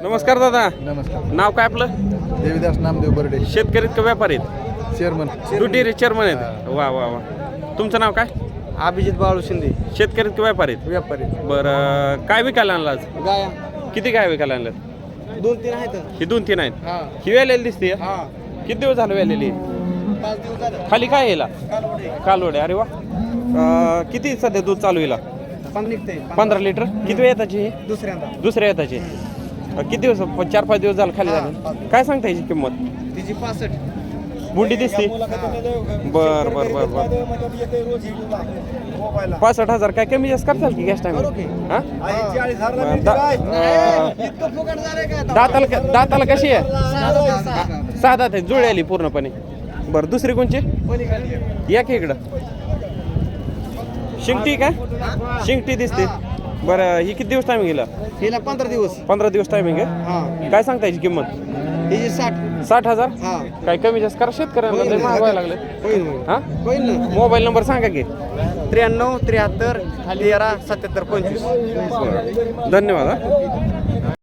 नमस्कार दादा. नमस्कार. नाव काय आपलं? देवीदास नामदेव बर्डे, शेतकरीत का व्यापारी आहेत? चेअरमन. ड्युटी चेअरमन आहेत. वा वा वा. तुमचं नाव काय? अभिजित बाळू शिंदे, शेतकरीत का व्यापारी आहेत? व्यापारी. बरं काय विकायला आणलं आज? गाया किती काय विकायला आणलं? 2-3 आहेत. ही 2-3 आहेत. हा ही वेलेली दिसते. हा किती दिवस झालं वेलेली? 5 दिवस झाले. खाली काय यायला? कालवडे. कालवडे. अरे वा. किती सध्या दूध चालू येईल? 5 निघते. 15 लिटर. किती वेळ येताची ही? दुसऱ्यांदा दुसऱ्या येताची. किती दिवस? 4-5 दिवस झालं खाली हा, झालं. 5. काय सांगता याची किंमत? तिची 65. बुंडी दिसते. बर बर बर बर. 65,000 काय कमी जास्त करताल की गॅस टाइम? दाताला कशी आहे? 6 दात आहे. जुळी आली पूर्णपणे. बरं दुसरी कोणची? या की इकडं. शिंगटी का? शिंगटी दिसते. बरं ही किती दिवस टायमिंग गेला? हिला 15 दिवस. 15 दिवस टायमिंग आहे. हा काय सांगता याची किंमत? हिची 60. 60,000. हा काय कमी जास्त करा शेतकऱ्यांना लय महाग व्हायला लागले. होईल हा होईल ना. मोबाईल नंबर सांगा की. 93 73 13 77 25. धन्यवाद.